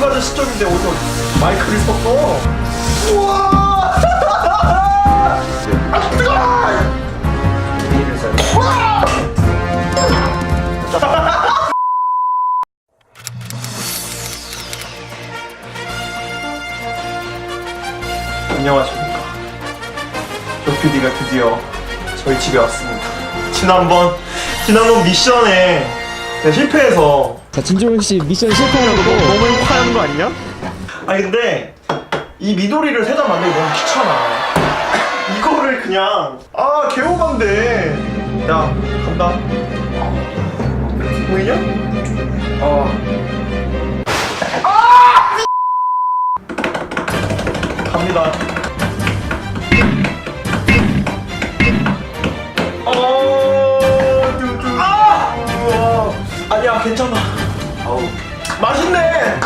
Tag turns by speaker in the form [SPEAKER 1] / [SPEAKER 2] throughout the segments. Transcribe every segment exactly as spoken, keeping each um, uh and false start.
[SPEAKER 1] 가는 시점인데 어디서 마이크를 섞어? 우와! 아 뜨거워! 안녕하십니까. 조피디가 드디어 저희 집에 왔습니다. 지난번 지난번 미션에 제가 실패해서.
[SPEAKER 2] 자, 진종훈 씨 미션 실패하고
[SPEAKER 1] 너무, 너무 행복하는 거 아니냐? 아니 근데 이 미도리를 세 장 만들기 너무 귀찮아. 이거를 그냥 아 개오반데. 야 간다. 보이냐? 어. 아! 갑니다. 어. 뚜뚜. 아! 우와. 아니야 괜찮아. 어우. 맛있네.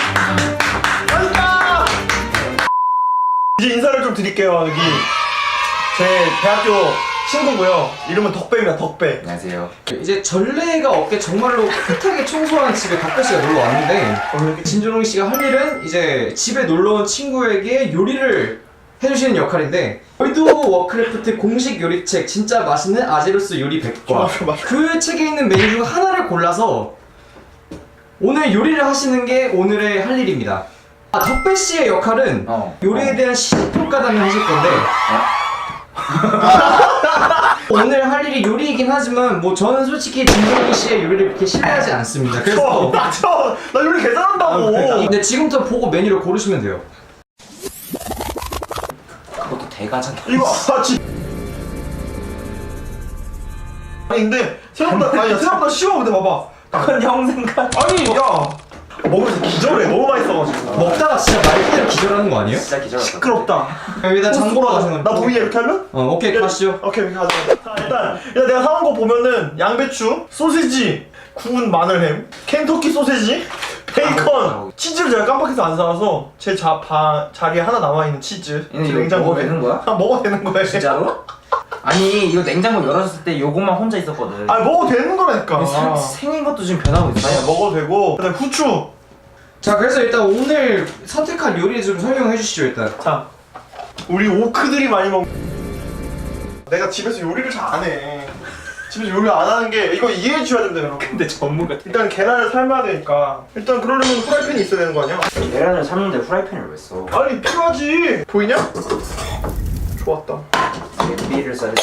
[SPEAKER 1] 맛있다. 이제 인사를 좀 드릴게요. 여기 제 대학교 친구고요. 이름은 덕배입니다. 덕배.
[SPEAKER 3] 안녕하세요.
[SPEAKER 2] 이제 전례가 없게 정말로 깨끗하게 청소한 집에 덕배 씨가 놀러 왔는데, 진종훈 씨가 할 일은 이제 집에 놀러 온 친구에게 요리를 해주시는 역할인데, 월드 워크래프트 공식 요리책 진짜 맛있는 아제로스 요리 백 과,
[SPEAKER 1] 맞아, 맞아.
[SPEAKER 2] 그 책에 있는 메뉴 중 하나를 골라서 오늘 요리를 하시는 게 오늘의 할 일입니다. 아, 덕배 씨의 역할은
[SPEAKER 3] 어.
[SPEAKER 2] 요리에 대한 시식평가담을 하실 건데, 오늘 할 일이 요리이긴 하지만 뭐 저는 솔직히 진종훈 씨의 요리를 그렇게 신뢰하지 않습니다. 그래서
[SPEAKER 1] 나, 저, 나 요리 개 잘한다고.
[SPEAKER 2] 근데 지금부터 보고 메뉴를 고르시면 돼요.
[SPEAKER 3] 그것도 대가잖아.
[SPEAKER 1] 이거 아 진. 아니 근데 생각보다 아니 생각보다 쉬워. 근데 봐봐.
[SPEAKER 3] 그건 형 생각.
[SPEAKER 1] 아니 야 먹으면서 기절해. 너무 맛있어가지고.
[SPEAKER 2] 먹다가 진짜 말 그대로 기절하는 거 아니에요?
[SPEAKER 3] 진짜 기절할
[SPEAKER 1] 시끄럽다.
[SPEAKER 2] 여기다 장보러 가시는
[SPEAKER 1] 나 보이게 이렇게 하면?
[SPEAKER 2] 어, 오케이 가시죠.
[SPEAKER 1] 오케이 오케이 가자. 자, 일단 일단 내가 사온 거 보면은 양배추, 소시지, 구운 마늘햄, 켄터키 소세지, 베이컨, 치즈를 제가 깜빡해서 안 사와서 제 자, 바, 자리에 하나 남아있는 치즈
[SPEAKER 3] 얘네 이거 먹어도 되는 거야?
[SPEAKER 1] 아 먹어도 되는 거야.
[SPEAKER 3] 진짜로? 아니 이거 냉장고 열어줬을 때 요것만 혼자 있었거든.
[SPEAKER 1] 아 먹어도 되는 거라니까.
[SPEAKER 3] 생, 생긴 것도 지금 변하고 있어.
[SPEAKER 1] 아니야 먹어도 되고. 그다음에 후추.
[SPEAKER 2] 자, 그래서 일단 오늘 선택한 요리 좀 설명해 주시죠 일단.
[SPEAKER 1] 자, 우리 오크들이 많이 먹. 내가 집에서 요리를 잘 안 해. 집에서 요리 안 하는 게 이거 이해해 주셔야 된다 여러분.
[SPEAKER 3] 근데 전문가.
[SPEAKER 1] 일단 계란을 삶아야 되니까 일단 그러려면 프라이팬이 있어야 되는 거 아니야?
[SPEAKER 3] 계란을 삶는데 후라이팬을 왜 써?
[SPEAKER 1] 아니 필요하지. 보이냐? 좋았다.
[SPEAKER 3] 냄비를 써야 돼.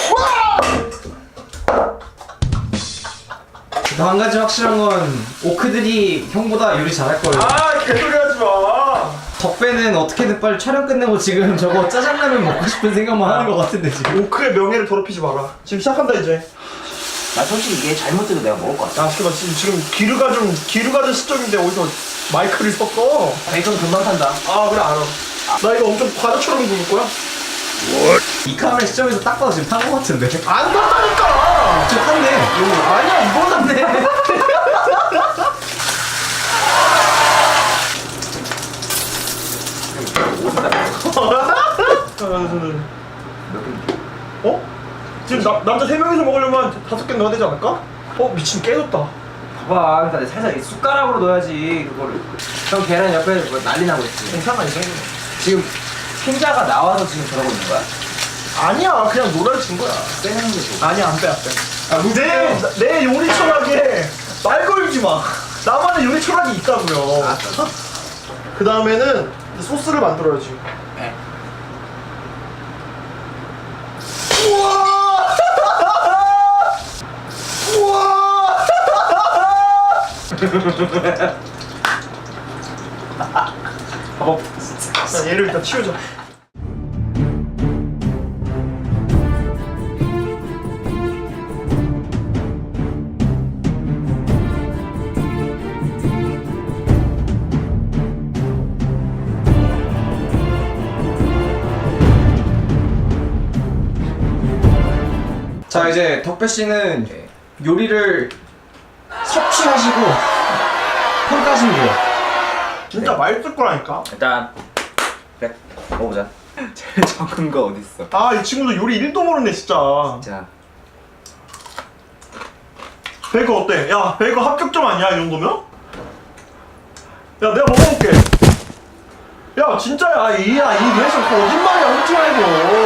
[SPEAKER 2] 한 가지 확실한 건 오크들이 형보다 요리 잘할 거예요.
[SPEAKER 1] 아 개소리 하지 마.
[SPEAKER 2] 덕배는 어떻게든 빨리 촬영 끝내고 지금 저거 짜장라면 먹고 싶은 생각만 하는 것 같은데 지금.
[SPEAKER 1] 오크의 명예를 더럽히지 마라. 지금 시작한다 이제.
[SPEAKER 3] 나 솔직히 이게 잘못돼도 내가 먹을 것 같아.
[SPEAKER 1] 야 잠깐만 지금 지금 기류가 좀 기류가 된 시점인데 어디서 마이크를 섞어?
[SPEAKER 3] 베이컨 금방 탄다.
[SPEAKER 1] 아 그래 알아. 나 이거 엄청 과자처럼 구울 거야?
[SPEAKER 2] 이 카메라 시점에서 딱 봐도 지금 탄 것 같은데.
[SPEAKER 1] 안 탔다니까.
[SPEAKER 2] 좀 탔네.
[SPEAKER 1] 아니야 이거 탔네. 어? 지금 나, 남자 세 명이서 먹으려면 다섯 개 넣어야 되지 않을까? 어 미친 깨졌다.
[SPEAKER 3] 봐봐, 그러니까 살짝 이 숟가락으로 넣어야지 그거를. 형 계란 옆에 뭐 난리 나고 있지.
[SPEAKER 1] 괜찮아 이 정도.
[SPEAKER 3] 지금 흰자가 나와서 지금 저러고 있는 거야?
[SPEAKER 1] 아니야 그냥 노래를 거야.
[SPEAKER 3] 빼는 게 좋아.
[SPEAKER 1] 아니야 안 빼 안 빼.
[SPEAKER 2] 아,
[SPEAKER 1] 내, 내 요리 철학에 말 걸지 마. 나만의 요리 철학이 있다고요.
[SPEAKER 3] 알았어.
[SPEAKER 1] 그 다음에는 소스를 만들어야지.
[SPEAKER 3] 네.
[SPEAKER 1] 우와! 우와!
[SPEAKER 3] 어, 진짜.
[SPEAKER 1] 자, 얘를 일단 치우자.
[SPEAKER 2] 자, 이제 덕배 씨는 요리를 섭취하시고 평가하시면 돼요.
[SPEAKER 1] 진짜 맛있을 거라니까.
[SPEAKER 3] 일단 그래 먹어보자. 제일 적은 거 어딨어?
[SPEAKER 1] 아, 이 친구도 요리 일도 모르네 진짜.
[SPEAKER 3] 진짜.
[SPEAKER 1] 베이컨 어때? 야, 베이컨 합격점 아니야 이 정도면? 야, 내가 먹어볼게. 야 진짜야 이야 이 리액션 거짓말이야 솔직히 말고.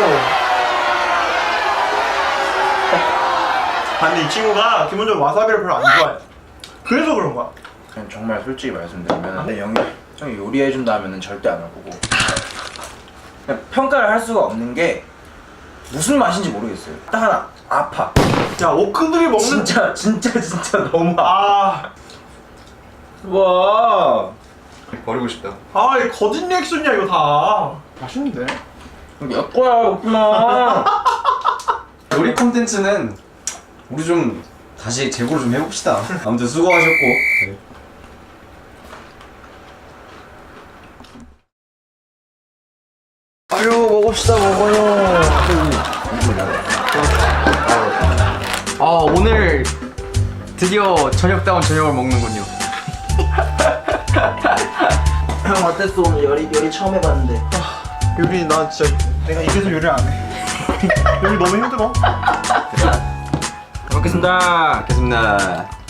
[SPEAKER 1] 아니 이 친구가 기본적으로 와사비를 별로 안 좋아해. 그래서 그런 거야.
[SPEAKER 4] 그냥 정말 솔직히 말씀드리면 내 형이 형이 요리해준다 하면은 절대 안 할 거고 그냥 평가를 할 수가 없는 게 무슨 맛인지 모르겠어요. 딱 하나 아파.
[SPEAKER 1] 야 오크들이 먹는
[SPEAKER 4] 진짜 진짜 진짜 너무 아.
[SPEAKER 2] 와 버리고 싶다.
[SPEAKER 1] 아 이 거짓 리액션이야 이거 다. 맛있는데?
[SPEAKER 4] 몇 거야 없구나.
[SPEAKER 2] 요리 콘텐츠는 우리 좀 다시 재고를 좀 해봅시다. 아무튼 수고하셨고.
[SPEAKER 4] 아유 먹읍시다 먹어요.
[SPEAKER 3] 아 오늘 드디어 저녁다운 저녁을 먹는군요.
[SPEAKER 4] 형 어땠어 오늘 요리 요리 처음 해봤는데.
[SPEAKER 1] 요리 나 진짜 내가 입에서 요리 안 해. 요리 너무 힘들어.
[SPEAKER 3] 먹겠습니다.
[SPEAKER 2] 알겠습니다.